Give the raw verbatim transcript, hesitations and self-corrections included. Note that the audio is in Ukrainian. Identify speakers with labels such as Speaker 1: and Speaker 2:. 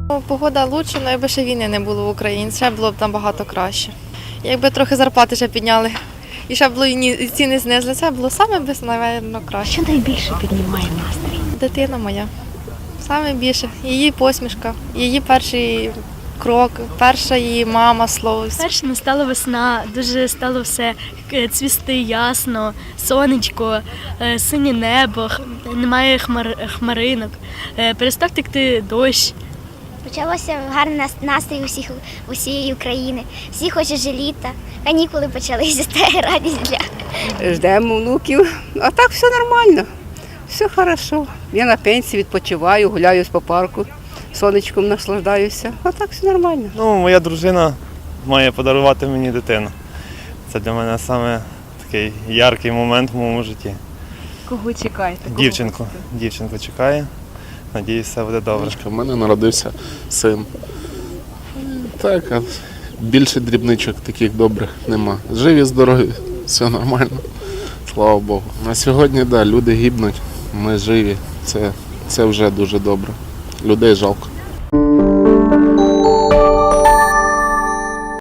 Speaker 1: Погода краще, але якби ще війни не було в Україні, ще було б там багато краще. Якби трохи зарплати ще підняли і ще було і ціни знизили, це було саме без, напевно, краще.
Speaker 2: Що найбільше піднімає настрій?
Speaker 1: Дитина моя. Саме більше. Її посмішка, її перший крок, перша її мама, слово.
Speaker 3: Перше настала весна, дуже стало все цвісти ясно, сонечко, синє небо, немає хмар, хмаринок, перестав текти дощ.
Speaker 4: Почалося гарний настрій усіх, усієї України. Всі хочуть же літа, канікули почалися, це радість для.
Speaker 5: Ждемо внуків, а так все нормально, все хорошо. Я на пенсії відпочиваю, гуляю по парку, сонечком наслаждаюся, а так все нормально.
Speaker 6: Ну, моя дружина має подарувати мені дитину. Це для мене саме такий яркий момент в моєму житті.
Speaker 2: Кого чекаєте? Кого
Speaker 6: Дівчинку, дівчинку чекає. Надіюсь, все буде добре.
Speaker 7: У мене народився син. Так, а більше дрібничок таких добрих нема. Живі, здорові, все нормально. Слава Богу. На сьогодні, так, да, люди гибнуть, ми живі. Це, це вже дуже добре. Людей жалко.